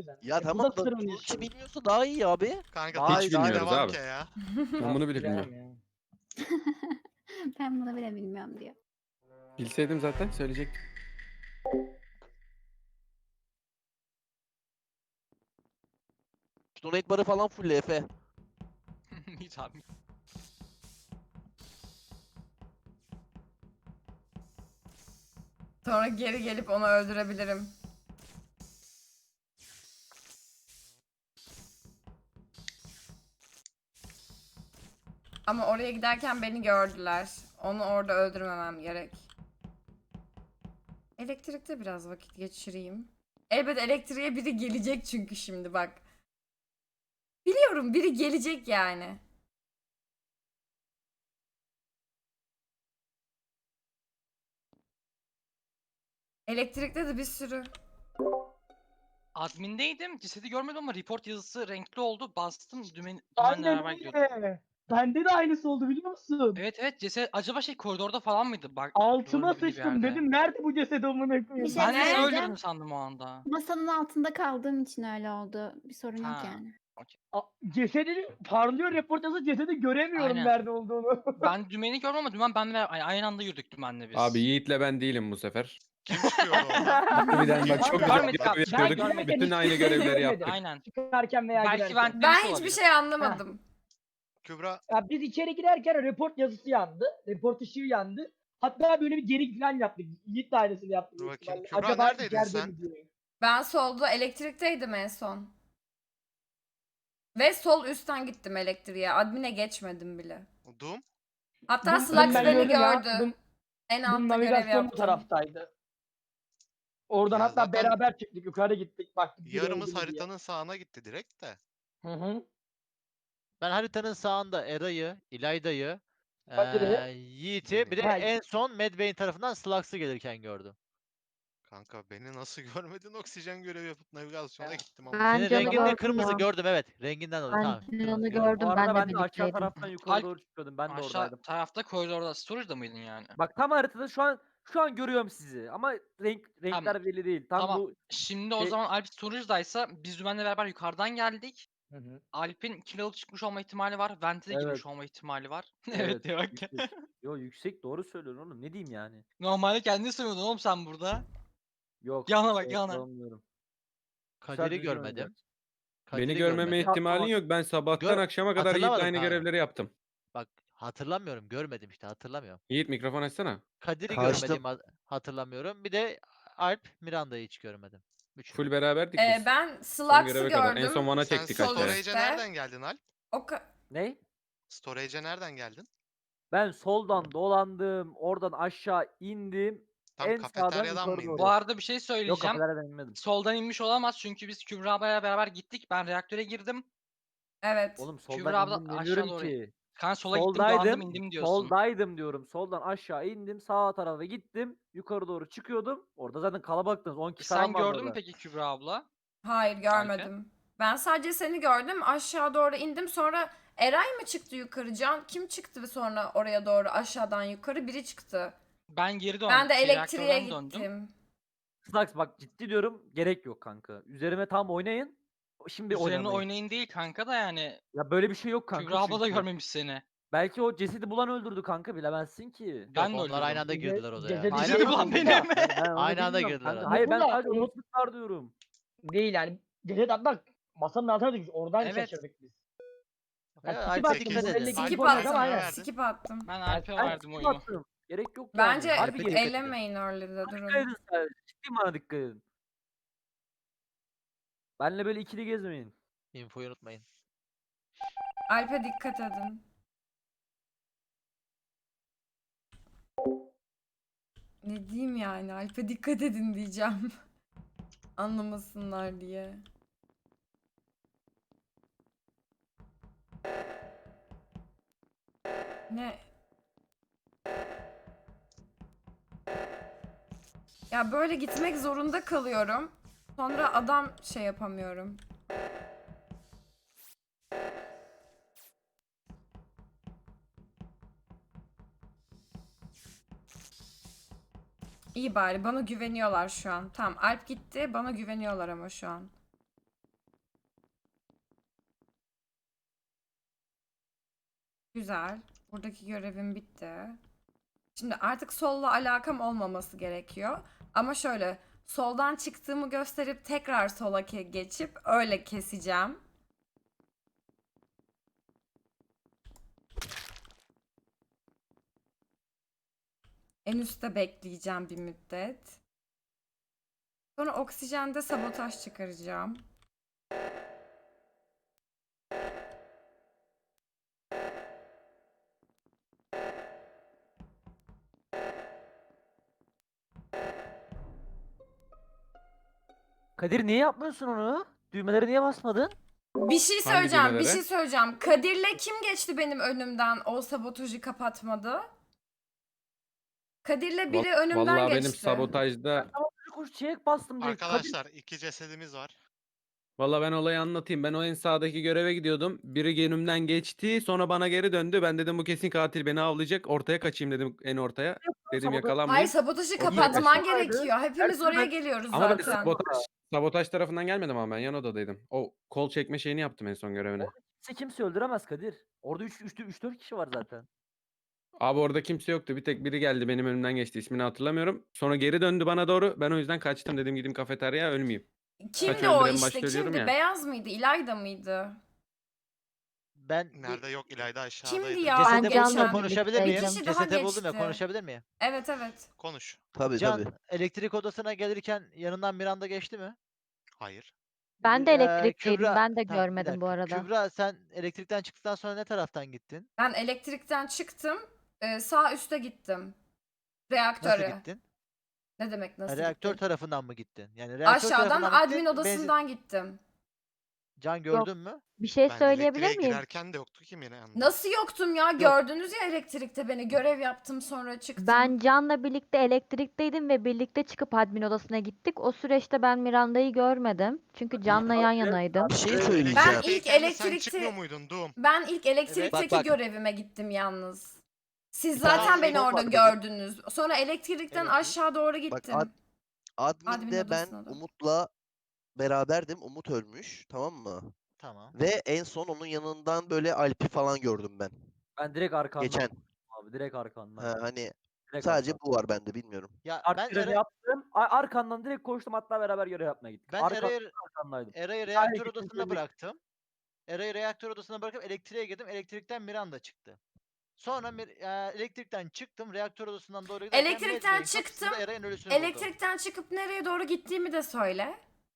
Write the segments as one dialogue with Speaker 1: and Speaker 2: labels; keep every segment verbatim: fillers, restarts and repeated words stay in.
Speaker 1: yüzden.
Speaker 2: Ya
Speaker 1: E, bu
Speaker 2: tamam
Speaker 1: da
Speaker 2: da
Speaker 1: sırrını
Speaker 2: Turki
Speaker 1: yaşıyor.
Speaker 2: bilmiyorsa daha iyi abi.
Speaker 3: Kanka
Speaker 4: Daha
Speaker 3: hiç
Speaker 4: iyi, daha iyi.
Speaker 3: bilmiyoruz
Speaker 5: abi.
Speaker 3: abi. Ya.
Speaker 5: Ben bunu bile
Speaker 1: Bilemem
Speaker 5: bilmiyorum.
Speaker 1: ya.
Speaker 6: Ben bunu bile bilmiyorum diyor.
Speaker 5: Bilseydim zaten söyleyecektim.
Speaker 2: Donate barı falan full Efe.
Speaker 4: Hiç abi.
Speaker 7: Sonra geri gelip onu öldürebilirim. Ama oraya giderken beni gördüler. Onu orada öldürmemem gerek. Elektrikte biraz vakit geçireyim. Elbet elektriğe biri gelecek çünkü şimdi bak. Biliyorum biri gelecek yani. Elektrikte de bir sürü.
Speaker 4: Admindeydim. Cesedi görmedim ama report yazısı renkli oldu. Bastım dümen, dümenle
Speaker 1: Aynen
Speaker 4: beraber gidiyordum.
Speaker 1: öyle. Bende de aynısı oldu biliyor musun?
Speaker 4: Evet evet ceset acaba şey koridorda falan mıydı? Bak,
Speaker 1: Altıma
Speaker 4: duvarın dibinde bir
Speaker 1: sıçtım
Speaker 4: yerde.
Speaker 1: dedim nerede bu ceset amına koyayım.
Speaker 6: Bir şey
Speaker 4: Ben de seni
Speaker 6: söyleyeceğim.
Speaker 4: öldürdüm sandım o anda.
Speaker 6: Masanın altında kaldığım için öyle oldu. Bir sorun yok
Speaker 4: Ha.
Speaker 6: yani.
Speaker 1: A- Cesedi parlıyor reportajı cesedi göremiyorum
Speaker 4: Aynen.
Speaker 1: nerede olduğunu.
Speaker 4: Ben dümeni gördüm ama dümen benle beraber- ay- aynı anda yürüdük dümenle biz.
Speaker 5: Abi Yiğit'le ben değilim bu sefer.
Speaker 3: Kim çıkıyor orada?
Speaker 5: Harbiden bak çok güzel
Speaker 4: Görmedik abi,
Speaker 5: görev
Speaker 4: ben
Speaker 5: yapıyorduk.
Speaker 4: görmedim.
Speaker 5: Bütün
Speaker 1: Hiçbir
Speaker 5: aynı
Speaker 1: şey
Speaker 5: görevleri
Speaker 1: görmedim.
Speaker 5: yaptık.
Speaker 4: Aynen.
Speaker 1: Çıkarken veya
Speaker 4: Belki
Speaker 1: girerken.
Speaker 4: ben
Speaker 7: Ben
Speaker 4: demiş
Speaker 7: hiçbir
Speaker 4: olabilir.
Speaker 7: şey anlamadım.
Speaker 3: Kübra
Speaker 1: Ya biz içeri girerken report yazısı yandı. Report ışığı yandı. Hatta böyle bir geri falan yaptık. Yiğit de aynısını yaptı.
Speaker 3: Dur
Speaker 1: büyük
Speaker 3: bakayım.
Speaker 1: ihtimalle.
Speaker 3: Kübra,
Speaker 1: Acaba
Speaker 3: neredeydin
Speaker 1: içeride
Speaker 3: sen?
Speaker 1: mi diye.
Speaker 7: Ben solda elektrikteydim en son. Ve sol üstten gittim elektriğe. Admin'e geçmedim bile.
Speaker 3: Doom.
Speaker 7: Hatta
Speaker 1: Dum-
Speaker 7: Slux
Speaker 1: Dum ben
Speaker 7: beni
Speaker 1: gördüm ya.
Speaker 7: gördü.
Speaker 1: Dum-
Speaker 7: En
Speaker 1: Dum
Speaker 7: altta görev
Speaker 1: navigasyon bu
Speaker 7: yaptım.
Speaker 1: taraftaydı. Oradan
Speaker 3: Ya
Speaker 1: hatta
Speaker 3: zaten
Speaker 1: beraber çıktık. Yukarı gittik. Baktık. biri
Speaker 3: Yarımız
Speaker 1: öldü mü diye.
Speaker 3: haritanın sağına gitti direkt de.
Speaker 1: Hı hı.
Speaker 2: Ben haritanın sağında Eray'ı, İlayda'yı,
Speaker 1: Kadir'i.
Speaker 2: eee Yiğit'i bir de
Speaker 1: Ha,
Speaker 2: en son Medbay'in tarafından Slugs'ı gelirken gördüm.
Speaker 3: Kanka beni nasıl görmedin? Oksijen görevi yapıp navigasyona gittim ama.
Speaker 8: Ben
Speaker 2: Senin
Speaker 8: canı
Speaker 2: rengin de
Speaker 8: gördüm
Speaker 2: kırmızı
Speaker 8: ya.
Speaker 2: gördüm evet. Renginden dolayı
Speaker 8: Ben
Speaker 2: tamam.
Speaker 8: canı
Speaker 2: Kırmızı gördüm.
Speaker 8: gördüm.
Speaker 9: Bu arada
Speaker 8: Ben
Speaker 9: ben
Speaker 8: de
Speaker 9: de aşağı
Speaker 8: birlikteydim.
Speaker 9: taraftan yukarı
Speaker 4: Alp-
Speaker 9: doğru çıkıyordum. Ben de
Speaker 4: Aşağı
Speaker 9: oradaydım.
Speaker 4: tarafta koridorda storage'da mıydın yani?
Speaker 9: Bak tam haritada şu an şu an görüyorum sizi ama renk renkler
Speaker 4: Tamam.
Speaker 9: belli değil. Tam
Speaker 4: Tamam.
Speaker 9: bu
Speaker 4: Şimdi o
Speaker 9: şey-
Speaker 4: zaman Alp storage'daysa biz dümenle beraber yukarıdan geldik.
Speaker 1: Hı hı.
Speaker 4: Alp'in kill alıp çıkmış olma ihtimali var. Vent'e de girmiş
Speaker 9: Evet.
Speaker 4: olma ihtimali var. evet
Speaker 9: evet.
Speaker 4: diyor bak.
Speaker 9: yüksek. Yo yüksek doğru söylüyorsun oğlum. Ne diyeyim yani?
Speaker 4: Normalde kendini söylüyordun oğlum sen burada.
Speaker 9: Yok.
Speaker 4: Yana bak,
Speaker 9: şey
Speaker 4: yana.
Speaker 9: yapamıyorum.
Speaker 2: Kadir'i
Speaker 9: Sadece
Speaker 2: görmedim.
Speaker 9: görmedim.
Speaker 2: Kadir'i
Speaker 5: Beni görmeme
Speaker 2: görmedim.
Speaker 5: ihtimalin
Speaker 9: Tamam.
Speaker 5: yok. Ben sabahtan
Speaker 2: Gör-
Speaker 5: akşama kadar Yiğit'le
Speaker 2: hatırlamadım
Speaker 5: aynı
Speaker 2: kanka.
Speaker 5: görevleri yaptım.
Speaker 2: Bak hatırlamıyorum görmedim işte hatırlamıyorum.
Speaker 5: Yiğit mikrofon açsana.
Speaker 2: Kadir'i Kaçtım. görmedim ha- hatırlamıyorum. Bir de Alp Miranda'yı hiç görmedim. Üçünü.
Speaker 5: Full beraberdik
Speaker 7: Ee,
Speaker 5: biz.
Speaker 7: ben
Speaker 5: Son
Speaker 7: Slugs'ı
Speaker 5: göreve kadar. En
Speaker 7: gördüm.
Speaker 5: son Van'a
Speaker 3: Sen
Speaker 5: çektik
Speaker 7: sol
Speaker 5: aşağıya.
Speaker 3: storage'e
Speaker 7: üstte.
Speaker 3: nereden geldin Alp?
Speaker 7: O ka-
Speaker 9: Ne?
Speaker 3: Storage'e nereden geldin?
Speaker 9: Ben soldan dolandım. Oradan aşağı indim.
Speaker 3: Tam
Speaker 9: en sağdan
Speaker 3: kafeteryadan mı
Speaker 9: yukarı
Speaker 3: indin?
Speaker 9: doğru.
Speaker 4: Bu arada bir şey
Speaker 9: Yok
Speaker 4: söyleyeceğim.
Speaker 9: kafeteryadan inmedim.
Speaker 4: Soldan inmiş olamaz çünkü biz Kübra ablaya beraber gittik. Ben reaktöre girdim.
Speaker 7: Evet.
Speaker 9: Oğlum
Speaker 4: Kübra
Speaker 9: soldan
Speaker 4: abla
Speaker 9: indim
Speaker 4: aşağı
Speaker 9: demiyorum
Speaker 4: doğru.
Speaker 9: ki.
Speaker 4: Kan sola gittim dolandım
Speaker 9: Soldaydım.
Speaker 4: indim diyorsun.
Speaker 9: Soldaydım diyorum. Soldan aşağı indim. Sağ tarafa gittim. Yukarı doğru çıkıyordum. Orada zaten kalabalıktınız. on kişi falan
Speaker 4: Sen
Speaker 9: vardı
Speaker 4: gördün mü
Speaker 9: orada.
Speaker 4: peki Kübra abla?
Speaker 7: Hayır görmedim. Ben sadece seni gördüm. Aşağı doğru indim. Sonra Eray mı çıktı yukarı? Can kim çıktı sonra oraya doğru aşağıdan yukarı? Biri çıktı.
Speaker 4: Ben geri döndüm.
Speaker 7: Ben de
Speaker 4: şey,
Speaker 7: elektriğe
Speaker 4: reaktörden
Speaker 7: gittim.
Speaker 4: döndüm.
Speaker 9: Slax bak ciddi diyorum. Gerek yok kanka. Üzerime tam oynayın. Şimdi
Speaker 4: Üzerine
Speaker 9: oynamayın.
Speaker 4: oynayın değil kanka da yani.
Speaker 9: Ya böyle bir şey yok kanka.
Speaker 4: Kübra abla da
Speaker 9: çünkü.
Speaker 4: görmemiş seni.
Speaker 9: Belki o cesedi bulan öldürdü kanka bilemezsin ki.
Speaker 4: Ben
Speaker 2: Yok,
Speaker 4: de
Speaker 2: onlar
Speaker 4: öldürdüm.
Speaker 2: aynı anda
Speaker 1: Cese-
Speaker 2: girdiler odaya.
Speaker 1: cesedi
Speaker 2: Aynen.
Speaker 4: Cesedi
Speaker 1: şey
Speaker 4: bulan
Speaker 1: oldu
Speaker 4: benim.
Speaker 1: ya.
Speaker 9: Ben, ben onu
Speaker 2: Aynı anda
Speaker 9: bilmiyorum
Speaker 2: girdiler
Speaker 9: kanka.
Speaker 2: abi.
Speaker 9: Hayır ben
Speaker 1: Bunu da
Speaker 9: sadece
Speaker 1: unut-
Speaker 9: unutmuşlar diyorum.
Speaker 1: Değil yani. Ceset hatta masanın altına düşmüş. Oradan
Speaker 4: Evet.
Speaker 1: şaşırdık biz.
Speaker 2: Ya,
Speaker 1: Yani
Speaker 2: Alp
Speaker 1: skip attım.
Speaker 3: sekiz.
Speaker 1: bu
Speaker 2: dikkat
Speaker 1: belli
Speaker 2: edin.
Speaker 1: ki
Speaker 7: Skip
Speaker 1: ilk oynadı
Speaker 7: attım.
Speaker 1: ama aynen.
Speaker 3: verdin?
Speaker 7: Skip attım.
Speaker 4: Ben
Speaker 1: Yani
Speaker 4: Alp'e
Speaker 9: Ben
Speaker 4: verdim
Speaker 9: skip
Speaker 4: oyumu.
Speaker 9: attım. Gerek yok yani.
Speaker 7: Bence
Speaker 9: Harbi
Speaker 2: dikkat
Speaker 9: gerek
Speaker 2: edin.
Speaker 7: ellemeyin early'de
Speaker 9: Dikkat
Speaker 7: durun.
Speaker 9: edin sadece. Ciddi bana dikkat edin. Benle böyle ikili gezmeyin.
Speaker 2: Infoyu unutmayın.
Speaker 7: Alp'e dikkat edin. Ne diyeyim yani? Alp'e dikkat edin diyeceğim. Anlamasınlar diye. Ne? Ya böyle gitmek zorunda kalıyorum. Sonra adam şey yapamıyorum. İyi bari bana güveniyorlar şu an. Tamam Alp gitti bana güveniyorlar ama şu an. Güzel. Buradaki görevim bitti. Şimdi artık solla alakam olmaması gerekiyor. Ama şöyle soldan çıktığımı gösterip tekrar sola ke- geçip öyle keseceğim. En üstte bekleyeceğim bir müddet. Sonra oksijende sabotaj çıkaracağım.
Speaker 9: Kadir niye yapmıyorsun onu? Düğmeleri niye basmadın?
Speaker 7: Bir şey
Speaker 5: Hangi
Speaker 7: söyleyeceğim, bir
Speaker 5: düğmelere?
Speaker 7: şey söyleyeceğim. Kadir'le kim geçti benim önümden o sabotajı kapatmadı? Kadir'le biri
Speaker 5: Va-
Speaker 7: önümden
Speaker 5: Vallahi
Speaker 7: geçti.
Speaker 5: benim sabotajda
Speaker 9: Kuş çiçek bastım direkt. Kadir
Speaker 3: Arkadaşlar iki cesedimiz var.
Speaker 5: Vallahi ben olayı anlatayım. Ben o en sağdaki göreve gidiyordum. Biri önümden geçti. Sonra bana geri döndü. Ben dedim bu kesin katil beni avlayacak. Ortaya kaçayım dedim en ortaya. Dedim
Speaker 9: Sabotaj-
Speaker 7: Hayır,
Speaker 5: yakalanmayayım.
Speaker 7: sabotajı
Speaker 5: Ortaya
Speaker 7: kapatman
Speaker 5: kaçtım.
Speaker 7: gerekiyor. Hepimiz
Speaker 9: Her türlü
Speaker 7: oraya
Speaker 9: ben-
Speaker 7: geliyoruz
Speaker 5: Ama ben
Speaker 7: zaten.
Speaker 5: sabotaj, sabotaj tarafından gelmedim ama ben yan odadaydım. O kol çekme şeyini yaptım en son görevine.
Speaker 9: kimse kimse öldüremez Kadir. Orada üç dört kişi var zaten.
Speaker 5: Abi orada kimse yoktu. Bir tek biri geldi benim önümden geçti. İsmini hatırlamıyorum. Sonra geri döndü bana doğru. Ben o yüzden kaçtım. Dedim gideyim kafeteryaya ölmeyeyim.
Speaker 7: Kimdi
Speaker 5: Kaç
Speaker 7: o
Speaker 5: öldüren
Speaker 7: işte?
Speaker 5: başta ölüyorum
Speaker 7: Kimdi?
Speaker 5: ya.
Speaker 7: Beyaz mıydı? İlayda mıydı?
Speaker 2: Ben bir
Speaker 3: Nerede yok İlayda aşağıdaydı.
Speaker 7: Kimdi ya?
Speaker 2: cesedi
Speaker 7: Ben
Speaker 2: buldum ya
Speaker 7: geçen-
Speaker 2: konuşabilir
Speaker 7: Bir
Speaker 2: miyim?
Speaker 7: kişi daha
Speaker 2: Cesedi buldum ya
Speaker 7: geçti.
Speaker 2: konuşabilir miyim?
Speaker 7: Evet evet.
Speaker 3: Konuş.
Speaker 8: Tabii
Speaker 2: Can
Speaker 8: tabii.
Speaker 2: elektrik odasına gelirken yanından Miranda geçti mi?
Speaker 3: Hayır.
Speaker 10: Ben de
Speaker 2: Ee,
Speaker 10: elektrikteydim.
Speaker 2: Kübra-
Speaker 10: Ben de
Speaker 2: Tamam, bir
Speaker 10: görmedim bu
Speaker 2: dakika.
Speaker 10: arada.
Speaker 2: Kübra sen elektrikten çıktıktan sonra ne taraftan gittin?
Speaker 7: Ben elektrikten çıktım. e, sağ üste gittim. Reaktöre.
Speaker 2: Nasıl gittin?
Speaker 7: Ne demek
Speaker 2: Ha,
Speaker 7: nasıl
Speaker 2: reaktör
Speaker 7: gittim?
Speaker 2: tarafından mı gittin? Yani reaktör
Speaker 7: Aşağıdan
Speaker 2: tarafından mı
Speaker 7: admin
Speaker 2: gittin, benzin-
Speaker 7: odasından gittim.
Speaker 2: Can gördün mü?
Speaker 10: Bir şey
Speaker 3: Ben
Speaker 10: söyleyebilir
Speaker 3: elektriğe
Speaker 10: miyim?
Speaker 3: girerken de yoktu ki Miranda.
Speaker 7: Nasıl yoktum ya? Gördünüz ya elektrikte beni. Görev yaptım sonra çıktım.
Speaker 10: Ben Can'la birlikte elektrikteydim ve birlikte çıkıp admin odasına gittik. O süreçte ben Miranda'yı görmedim. Çünkü Can'la yan yanaydım.
Speaker 8: Bir şey
Speaker 7: Ben
Speaker 8: söyleyeceğim.
Speaker 7: ilk
Speaker 3: Elektrikteyken de sen
Speaker 7: elektrikte-
Speaker 3: çıkmıyor muydun Doom?
Speaker 7: Ben ilk elektrikteki
Speaker 8: Bak, bak.
Speaker 7: görevime gittim yalnız. Siz
Speaker 8: Bir tane
Speaker 7: zaten beni
Speaker 8: infom
Speaker 7: orada
Speaker 8: var dedi.
Speaker 7: gördünüz. Sonra elektrikten
Speaker 2: Evet.
Speaker 7: aşağı doğru
Speaker 8: Bak
Speaker 7: gittim.
Speaker 8: ad-
Speaker 7: Admin
Speaker 8: admin'de ben
Speaker 7: odasına da.
Speaker 8: Umut'la beraberdim. Umut ölmüş. Tamam mı?
Speaker 2: Tamam.
Speaker 8: Ve en son onun yanından böyle Alp'i falan gördüm ben.
Speaker 9: Ben direkt arkandan.
Speaker 8: Geçen.
Speaker 9: Abi direkt arkandan.
Speaker 8: Ha, hani
Speaker 9: Direkt
Speaker 8: sadece
Speaker 9: arkandan.
Speaker 8: bu var bende bilmiyorum.
Speaker 2: Ya
Speaker 9: Art
Speaker 2: ben
Speaker 9: görevi
Speaker 2: Era-
Speaker 9: yaptım. a- Arkandan direkt koştum, hatta beraber görev yapmaya gittik.
Speaker 2: ben
Speaker 9: Arka,
Speaker 2: Eray'ı
Speaker 9: arkandaydım.
Speaker 2: Eray'ı reaktör
Speaker 9: gittim,
Speaker 2: odasına
Speaker 9: söyledik.
Speaker 2: bıraktım. Eray'ı reaktör odasına bırakıp elektriğe girdim. Elektrikten Miranda çıktı. Sonra Mir- e, elektrikten çıktım. Reaktör odasından doğru giderken
Speaker 7: Elektrikten
Speaker 2: Medbay'in kapısında
Speaker 7: çıktım,
Speaker 2: Eray'ın ölüsünü buldum.
Speaker 7: Elektrikten çıkıp nereye doğru gittiğimi de söyle.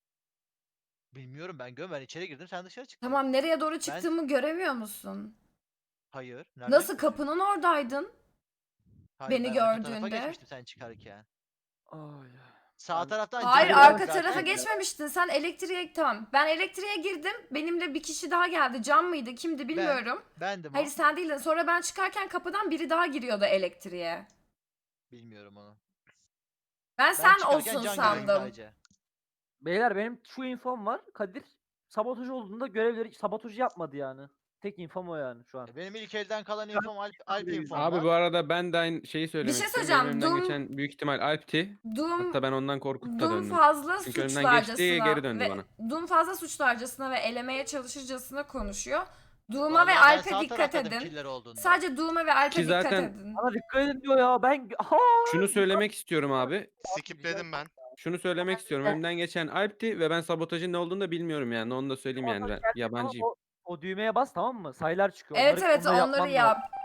Speaker 2: Bilmiyorum ben görmedim. Ben içeri girdim. Sen dışarı çıktın.
Speaker 7: Tamam, nereye doğru çıktığımı göremiyor musun?
Speaker 2: Hayır. nereden
Speaker 7: Nasıl,
Speaker 2: göreceğim?
Speaker 7: kapının oradaydın?
Speaker 2: Hayır,
Speaker 7: beni
Speaker 2: ben arka tarafa
Speaker 7: gördüğünde?
Speaker 2: geçmiştim sen çıkarken.
Speaker 5: Ay.
Speaker 2: Sağ
Speaker 9: Ben-
Speaker 2: taraftan
Speaker 7: Hayır,
Speaker 2: Can
Speaker 7: arka
Speaker 2: gördüm
Speaker 7: tarafa
Speaker 2: zaten.
Speaker 7: geçmemiştin. Sen elektriğe, tamam. Ben elektriğe girdim. Benimle bir kişi daha geldi. Can mıydı? Kimdi bilmiyorum.
Speaker 2: Bendim o.
Speaker 7: Hayır, sen değildin. Sonra ben çıkarken kapıdan biri daha giriyordu elektriğe.
Speaker 2: Bilmiyorum onu.
Speaker 7: Ben,
Speaker 2: Ben
Speaker 7: sen
Speaker 2: çıkarken
Speaker 7: olsun
Speaker 2: Can gördüm
Speaker 7: sandım.
Speaker 2: sadece.
Speaker 9: Beyler benim şu infom var. Kadir sabotaj olduğunda görevleri sabotajı yapmadı yani. Tek infom o yani şu an.
Speaker 2: Benim ilk elden kalan infom Alp, Alp infom
Speaker 5: Abi
Speaker 2: var.
Speaker 5: bu arada ben de aynı şeyi söylemek
Speaker 7: şey
Speaker 5: istiyorum.
Speaker 7: söyleyeceğim,
Speaker 5: Benim önümden
Speaker 7: Doom-
Speaker 5: geçen büyük ihtimal Alp'ti.
Speaker 7: Doom,
Speaker 5: Hatta ben ondan korkup da
Speaker 7: Doom
Speaker 5: döndüm.
Speaker 7: fazla
Speaker 5: Çünkü önümden
Speaker 7: suçlarcasına
Speaker 5: geçti, geri döndü
Speaker 7: ve
Speaker 5: bana.
Speaker 7: Doom fazla suçlarcasına ve elemeye çalışırcasına konuşuyor. Doom'a
Speaker 2: Vallahi
Speaker 7: ve
Speaker 2: ben
Speaker 7: Alp'e
Speaker 2: sağ
Speaker 7: dikkat
Speaker 2: taraftaydım
Speaker 7: edin.
Speaker 2: killer olduğunda.
Speaker 7: Sadece Doom'a ve Alp'e
Speaker 5: Ki
Speaker 7: dikkat
Speaker 5: zaten-
Speaker 7: edin.
Speaker 9: Bana dikkat edin diyor ya. Ben Aha!
Speaker 5: Şunu söylemek istiyorum abi.
Speaker 3: Skipledim ben.
Speaker 5: Şunu söylemek istiyorum. Önümden geçen Alp'ti ve ben sabotajın ne olduğunu da bilmiyorum yani. Onu da söyleyeyim yani. Ben yabancıyım.
Speaker 9: O, o düğmeye bas, tamam mı? Sayılar çıkıyor.
Speaker 7: Evet
Speaker 9: Onları-
Speaker 7: evet,
Speaker 9: onları
Speaker 7: onları
Speaker 9: yapman
Speaker 7: yap.
Speaker 9: lazım.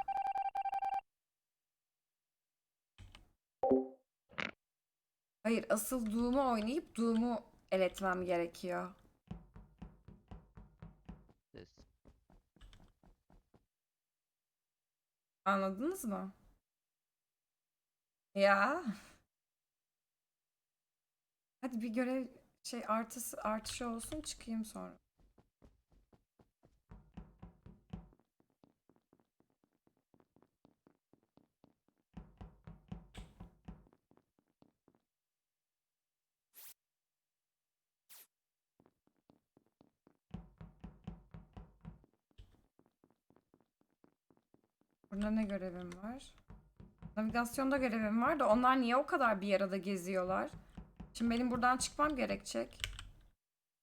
Speaker 7: Hayır, asıl Doom'u oynayıp Doom'u eletmem gerekiyor.
Speaker 2: Ses.
Speaker 7: Anladınız mı? Ya. Hadi bir görev şey artısı artışı olsun, çıkayım sonra. Burada ne görevim var? Navigasyonda görevim var da onlar niye o kadar bir arada geziyorlar? Şimdi benim buradan çıkmam gerekecek.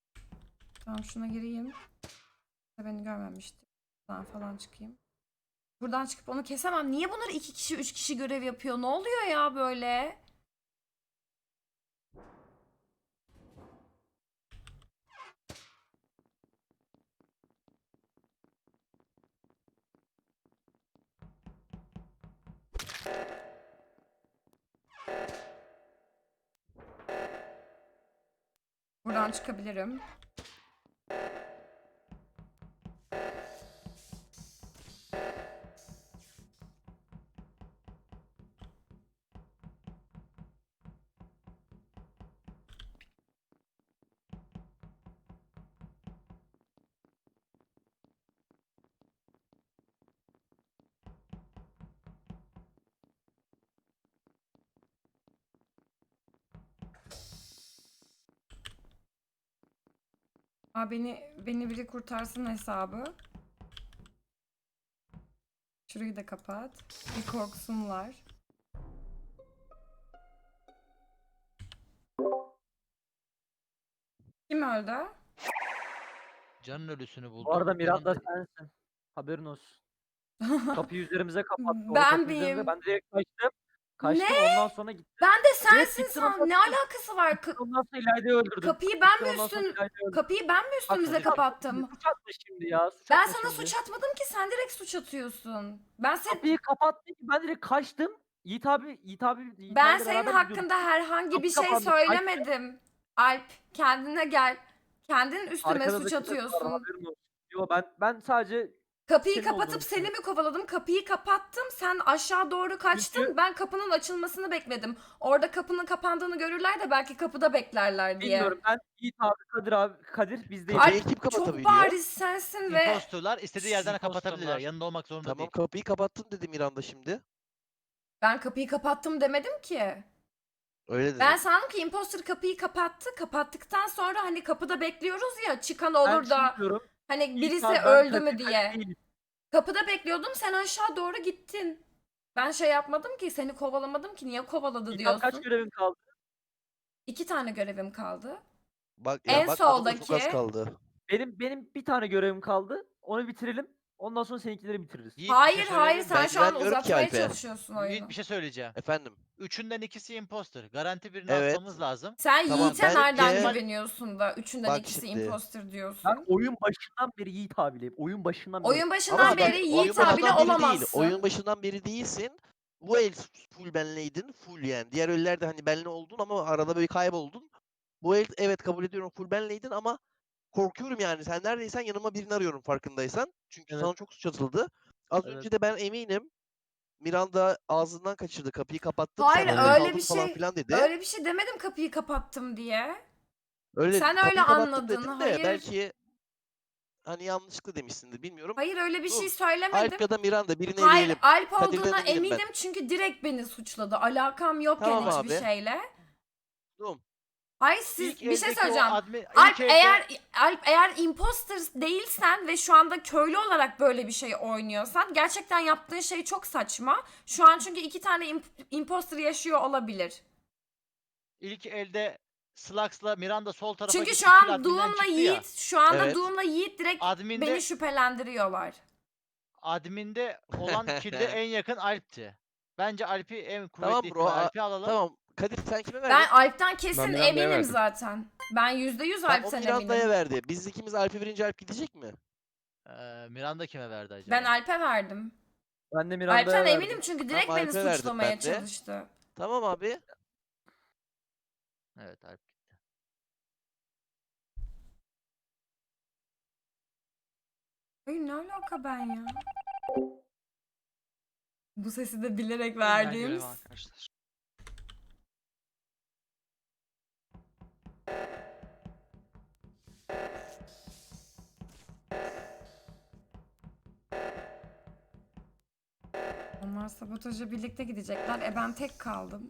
Speaker 7: Tamam, şuna gireyim. Beni görmemişti. Buradan falan çıkayım. Buradan çıkıp onu kesemem. Niye bunlar iki kişi, üç kişi görev yapıyor? Ne oluyor ya böyle? Buradan çıkabilirim. Aa, beni beni biri kurtarsın hesabı. Şurayı da kapat. Bir korksunlar. Kim öldü?
Speaker 2: Can'ın ölüsünü buldum.
Speaker 9: Bu arada Miranda
Speaker 2: Can'ın da-
Speaker 9: sensin. Haberin olsun. Kapıyı üzerimize kapattı. orada
Speaker 7: Ben
Speaker 9: kapı üzerimize.
Speaker 7: miyim?
Speaker 9: Ben direkt kaçtım. Kaçtım ondan sonra gittim.
Speaker 7: Ben de sensin
Speaker 9: gittin
Speaker 7: san.
Speaker 9: ondan
Speaker 7: Ne
Speaker 9: sonra-
Speaker 7: alakası var? Ka-
Speaker 9: Ondan sonra İlayda'yı öldürdüm.
Speaker 7: kapıyı ben
Speaker 9: Gittim
Speaker 7: mi
Speaker 9: ondan sonra
Speaker 7: üstün
Speaker 9: İlayda'yı öldürdüm.
Speaker 7: kapıyı ben mi üstümüze
Speaker 9: Bak,
Speaker 7: kapattım?
Speaker 9: Suç atma şimdi ya. Suç
Speaker 7: Ben
Speaker 9: atma
Speaker 7: sana
Speaker 9: şimdi.
Speaker 7: suç atmadım ki, sen direkt suç atıyorsun. Ben sen
Speaker 9: Kapıyı kapattı ki ben direkt kaçtım. Yiğit abi, Yiğit abi, Yiğit
Speaker 7: ben
Speaker 9: abiyle
Speaker 7: senin
Speaker 9: beraber
Speaker 7: hakkında
Speaker 9: gidiyorduk.
Speaker 7: herhangi bir
Speaker 9: Kapı
Speaker 7: şey
Speaker 9: kapandı, kaçtım.
Speaker 7: söylemedim. Alp, kendine gel. Kendin üstüme
Speaker 9: Arkada
Speaker 7: suç
Speaker 9: da kimse var,
Speaker 7: atıyorsun.
Speaker 9: haberin olsun. Yo ben ben sadece
Speaker 7: Kapıyı
Speaker 9: senin
Speaker 7: kapatıp
Speaker 9: olduğunu
Speaker 7: seni mi
Speaker 9: düşünüyorum.
Speaker 7: kovaladım? Kapıyı kapattım. Sen aşağı doğru kaçtın.
Speaker 9: Çünkü-
Speaker 7: Ben kapının açılmasını bekledim. Orada kapının kapandığını görürler de belki kapıda beklerler diye.
Speaker 9: bilmiyorum. Ben Yiğit abi, Kadir abi, Kadir biz değil.
Speaker 8: Kapıyı
Speaker 7: Alp,
Speaker 8: kim
Speaker 7: çok
Speaker 8: kapatabiliyor?
Speaker 7: bariz sensin ve
Speaker 2: impostorlar istediği yerden
Speaker 4: Impostorlar.
Speaker 2: kapatabilirler. Yanında olmak zorunda
Speaker 8: Tamam
Speaker 2: değil.
Speaker 8: kapıyı kapattın dedi Miranda şimdi.
Speaker 7: ben kapıyı kapattım demedim ki.
Speaker 8: Öyle dedi.
Speaker 7: Ben sandım ki imposter kapıyı kapattı. Kapattıktan sonra hani kapıda bekliyoruz ya, çıkan olur
Speaker 9: Ben
Speaker 7: da
Speaker 9: bilmiyorum.
Speaker 7: hani
Speaker 9: Yiğit
Speaker 7: birisi
Speaker 9: abi, ben
Speaker 7: öldü
Speaker 9: Kadir-
Speaker 7: mü
Speaker 9: Kadir
Speaker 7: diye.
Speaker 9: değilim.
Speaker 7: Kapıda bekliyordum, sen aşağı doğru gittin. Ben şey yapmadım ki, seni kovalamadım ki, niye kovaladı
Speaker 9: Yiğit abi, kaç
Speaker 7: diyorsun.
Speaker 9: görevin kaldı?
Speaker 7: İki tane görevim kaldı.
Speaker 8: Bak
Speaker 7: en
Speaker 8: ya bakmadım da çok az
Speaker 7: soldaki-
Speaker 8: kaldı.
Speaker 9: Benim benim bir tane görevim kaldı. Onu bitirelim. Ondan sonra seninkileri bitiririz.
Speaker 2: Yiğit, bir
Speaker 7: Hayır
Speaker 2: şey
Speaker 7: hayır,
Speaker 2: söyleyebilir
Speaker 7: sen
Speaker 2: miyim?
Speaker 7: şu an
Speaker 8: güvenmiyorum ki
Speaker 7: uzatmaya
Speaker 8: Alp'e.
Speaker 7: çalışıyorsun oyunu.
Speaker 2: Yiğit bir şey söyleyeceğim.
Speaker 8: Efendim.
Speaker 2: Üçünden ikisi imposter. Garanti birini
Speaker 8: Evet.
Speaker 2: atmamız lazım.
Speaker 7: Sen
Speaker 8: Tamam,
Speaker 7: Yiğit'e
Speaker 8: bence-
Speaker 7: nereden güveniyorsun da üçünden
Speaker 8: Bak
Speaker 7: ikisi
Speaker 8: şimdi.
Speaker 7: imposter diyorsun.
Speaker 9: Ben oyun başından beri Yiğit abileyim. Oyun başından beri.
Speaker 7: Oyun başından
Speaker 8: Ama bak,
Speaker 7: beri
Speaker 8: oyun
Speaker 7: Yiğit
Speaker 8: başından
Speaker 7: abiyle
Speaker 8: beri değil.
Speaker 7: olamazsın.
Speaker 8: Oyun başından beri değilsin. Bu el full benleydin. Full yani. Diğer ellerde hani benle oldun ama arada böyle kayboldun. Bu el evet kabul ediyorum full benleydin ama korkuyorum yani. Sen neredeysen yanıma birini arıyorum farkındaysan. Çünkü
Speaker 9: Evet.
Speaker 8: sana çok suç atıldı. Az
Speaker 9: Evet.
Speaker 8: önce de ben eminim Miranda ağzından kaçırdı. Kapıyı kapattım.
Speaker 7: Hayır,
Speaker 8: sen
Speaker 9: öyle
Speaker 8: orada
Speaker 7: bir
Speaker 8: kaldın falan
Speaker 7: şey-
Speaker 8: filan dedi.
Speaker 7: Öyle bir şey demedim kapıyı kapattım diye.
Speaker 8: Öyle
Speaker 7: sen
Speaker 8: dedi,
Speaker 7: öyle
Speaker 8: kapıyı kapattım
Speaker 7: anladın,
Speaker 8: dedin de
Speaker 7: hayır.
Speaker 8: belki hani yanlışlıkla demişsindir bilmiyorum.
Speaker 7: Hayır, öyle bir
Speaker 8: Dur.
Speaker 7: şey söylemedim.
Speaker 8: Alp ya da Miranda birini
Speaker 7: Hayır,
Speaker 8: eleyelim.
Speaker 7: Alp
Speaker 8: Kadir'den
Speaker 7: olduğuna
Speaker 8: eminim ben.
Speaker 7: eminim çünkü direkt beni suçladı. Alakam yokken
Speaker 8: Tamam
Speaker 7: hiçbir
Speaker 8: abi.
Speaker 7: şeyle.
Speaker 8: Dur.
Speaker 7: Hayır, siz
Speaker 2: İlk
Speaker 7: bir şey
Speaker 2: eldeki o
Speaker 7: söyleyeceğim.
Speaker 2: admin- ilk
Speaker 7: Alp
Speaker 2: elde-
Speaker 7: eğer Alp eğer imposter değilsen ve şu anda köylü olarak böyle bir şey oynuyorsan gerçekten yaptığın şey çok saçma. Şu an çünkü iki tane imp- imposter yaşıyor olabilir.
Speaker 2: İlk elde Slax'la Miranda sol tarafa
Speaker 7: Çünkü
Speaker 2: gitti,
Speaker 7: şu
Speaker 2: kill
Speaker 7: an
Speaker 2: adminden
Speaker 7: Doom'la
Speaker 2: çıktı ya.
Speaker 7: Yiğit şu anda
Speaker 8: Evet.
Speaker 7: Doom'la Yiğit direkt
Speaker 2: Adminde,
Speaker 7: beni şüphelendiriyorlar.
Speaker 2: adminde olan kill'de en yakın Alp'ti. Bence Alp'i en kuvvetli
Speaker 8: Tamam bro,
Speaker 2: ihtimal
Speaker 8: a-
Speaker 2: Alp'i alalım.
Speaker 8: Tamam. Kadir sen kime verdin?
Speaker 7: Ben Alp'ten kesin
Speaker 5: Miranda'ya
Speaker 7: eminim
Speaker 5: verdim.
Speaker 7: zaten. Ben yüzde yüz
Speaker 8: Tamam, o
Speaker 7: Alp'ten
Speaker 8: Miranda'ya
Speaker 7: eminim.
Speaker 8: verdi. Biz ikimiz Alp'e verince Alp gidecek mi?
Speaker 2: Ee, Miranda kime verdi acaba?
Speaker 7: Ben Alp'e verdim.
Speaker 9: Ben de Miranda'ya
Speaker 7: Alp'ten
Speaker 9: verdim.
Speaker 7: eminim çünkü direkt
Speaker 8: Tamam,
Speaker 7: beni
Speaker 8: Alp'e verdim
Speaker 7: suçlamaya
Speaker 8: ben de.
Speaker 7: çalıştı.
Speaker 8: Tamam abi.
Speaker 2: Evet Alp gitti.
Speaker 7: Ay ne alaka ben ya? Bu sesi de bilerek
Speaker 4: Ben
Speaker 7: verdiğim.
Speaker 4: görev arkadaşlar.
Speaker 7: Onlar sabotaja birlikte gidecekler. E ben tek kaldım.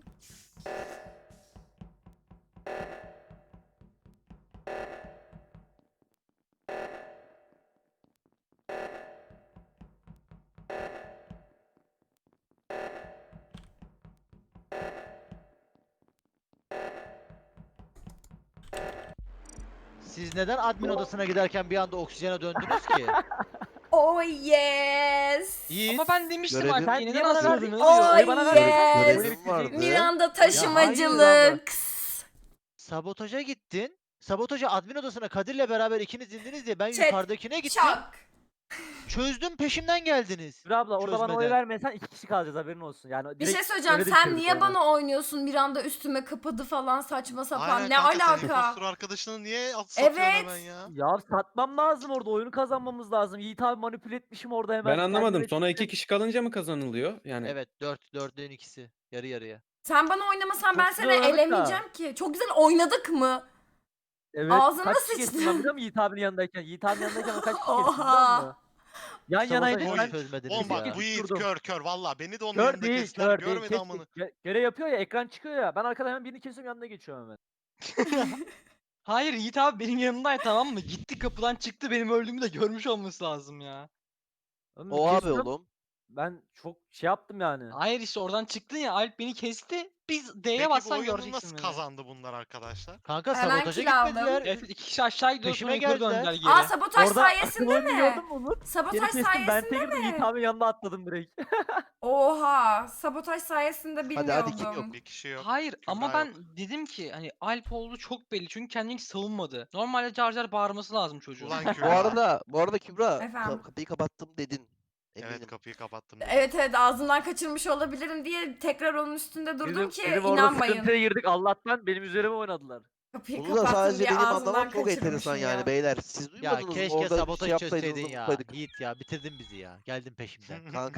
Speaker 2: Siz neden admin odasına giderken bir anda oksijene döndünüz ki?
Speaker 7: Oh yes.
Speaker 2: Yiğit.
Speaker 4: Ama ben demiştim
Speaker 8: Görevim-
Speaker 4: Alper'e
Speaker 9: Niye
Speaker 4: neden
Speaker 9: bana verdin?
Speaker 4: asıyordunuz?
Speaker 7: Oh
Speaker 9: Oyu bana verdin.
Speaker 7: yes.
Speaker 9: Oyunu
Speaker 8: Görevim
Speaker 9: bitirecek.
Speaker 8: vardı.
Speaker 7: Miranda taşımacılık.
Speaker 2: Sabotaja gittin. Sabotaja admin odasına Kadir'le beraber ikiniz indiniz diye ben
Speaker 7: Chat,
Speaker 2: yukarıdakine gittim.
Speaker 7: Çak.
Speaker 2: Çözdüm peşimden geldiniz.
Speaker 9: Kübra abla orada bana oy
Speaker 2: Çözmeden.
Speaker 9: vermesen iki kişi kalacağız haberin olsun. Yani
Speaker 7: Bir
Speaker 9: direkt
Speaker 7: şey söyleyeceğim.
Speaker 9: öyle
Speaker 7: Sen
Speaker 9: bitirdik
Speaker 7: niye
Speaker 9: oyunu.
Speaker 7: bana oynuyorsun? Miranda üstüme kapadı falan saçma sapan.
Speaker 3: Aynen
Speaker 7: Ne
Speaker 3: kanka, sen
Speaker 7: alaka?
Speaker 3: impostor arkadaşını niye at satıyorsun
Speaker 7: Evet.
Speaker 3: hemen ya?
Speaker 9: Ya satmam lazım orada oyunu kazanmamız lazım. Yiğit abi manipüle etmişim orada hemen.
Speaker 5: Ben anlamadım.
Speaker 9: kendime
Speaker 5: Sonra
Speaker 9: çektim.
Speaker 5: iki kişi kalınca mı kazanılıyor? Yani
Speaker 2: Evet dört dördün ikisi. Yarı yarıya.
Speaker 7: Sen bana oynamasan
Speaker 9: Çok
Speaker 7: ben
Speaker 9: güzel
Speaker 7: seni
Speaker 9: oynadık da.
Speaker 7: elemeyeceğim ki. Çok güzel oynadık mı?
Speaker 9: Evet.
Speaker 7: Ağzına
Speaker 9: kaç kişi geçtim
Speaker 7: sıçtım.
Speaker 9: ben biliyor musun Yiğit abinin yanındayken? Yiğit abinin yanındayken o kaç kişi geçtim biliyor
Speaker 7: Oha.
Speaker 9: musun? Yan yanaydık
Speaker 2: Sabotajı
Speaker 9: ben.
Speaker 2: çözmediniz
Speaker 3: Oğlum
Speaker 2: ya.
Speaker 3: bak bu Yiğit
Speaker 9: Tutturdum.
Speaker 3: kör kör valla beni de onun
Speaker 9: Kör
Speaker 3: yanında
Speaker 9: değil,
Speaker 3: kestiler
Speaker 9: kör değil.
Speaker 3: görmedi
Speaker 9: Kes,
Speaker 3: amını.
Speaker 9: gö- görev yapıyor ya, ekran çıkıyor ya. Ben arkadan hemen birini kesiyorum, yanına geçiyorum hemen.
Speaker 4: Hayır Yiğit abi benim yanımdaydı tamam mı? Gitti kapıdan çıktı benim öldüğümü de görmüş olması lazım ya.
Speaker 9: Oğlum
Speaker 8: O abi
Speaker 9: kesiyorum,
Speaker 8: oğlum.
Speaker 9: Ben çok şey yaptım yani.
Speaker 4: Hayır işte oradan çıktın ya Alp beni kesti. Biz D'ye
Speaker 3: Peki bu
Speaker 4: bassan
Speaker 3: oyunu
Speaker 4: göreceksin
Speaker 3: nasıl
Speaker 4: beni.
Speaker 3: kazandı bunlar arkadaşlar?
Speaker 2: Kanka
Speaker 7: Hemen
Speaker 2: sabotaja
Speaker 7: kill aldım.
Speaker 2: gitmediler.
Speaker 4: Evet iki kişi aşağı gidiyor sonra
Speaker 2: Peşime
Speaker 4: yukarı
Speaker 2: geldiler.
Speaker 4: döndüler geri.
Speaker 7: Aa sabotaj
Speaker 9: Orada
Speaker 7: sayesinde
Speaker 9: akıl oyunu
Speaker 7: mi?
Speaker 9: gördün mü Umut? Seni
Speaker 7: Sabotaj
Speaker 9: kestim, ben
Speaker 7: sayesinde
Speaker 9: tekim de Yiğit
Speaker 7: mi?
Speaker 9: abinin yanına atladım direkt.
Speaker 7: Oha. Sabotaj sayesinde
Speaker 8: Hadi, hadi, kim
Speaker 7: bilmiyordum.
Speaker 8: yok?
Speaker 3: Bir kişi yok.
Speaker 4: Hayır ama
Speaker 3: Kübra
Speaker 4: ben
Speaker 3: yok.
Speaker 4: dedim ki hani Alp olduğu çok belli çünkü kendini hiç savunmadı. Normalde Car Car bağırması lazım çocuğun.
Speaker 3: Ulan
Speaker 8: Bu
Speaker 3: Kübra.
Speaker 8: arada, bu arada Kübra ka-
Speaker 7: Efendim?
Speaker 8: kapıyı kapattım dedin. Eminim.
Speaker 3: Evet kapıyı kapattım. dedim.
Speaker 7: Evet evet ağzımdan kaçırmış olabilirim diye tekrar onun üstünde durdum
Speaker 9: Bizim,
Speaker 7: ki
Speaker 9: bizim orada
Speaker 7: inanmayın.
Speaker 9: sıkıntıya girdik, Allah'tan benim üzerime oynadılar.
Speaker 7: Kapıyı
Speaker 8: Bunu da
Speaker 7: kapattım
Speaker 8: sadece
Speaker 7: diye
Speaker 8: benim
Speaker 7: ağzımdan
Speaker 8: anlamam çok enteresan
Speaker 7: kaçırmışım
Speaker 8: yani
Speaker 7: ya.
Speaker 8: beyler. Siz
Speaker 2: Ya
Speaker 8: duymadınız mı?
Speaker 2: keşke
Speaker 8: Orada bir şey
Speaker 2: sabotajı
Speaker 8: yapsaydınız
Speaker 2: çözseydin
Speaker 8: da
Speaker 2: ya.
Speaker 8: mutlaydık.
Speaker 2: Yiğit ya bitirdin bizi ya. Geldin peşimden.
Speaker 8: Kanka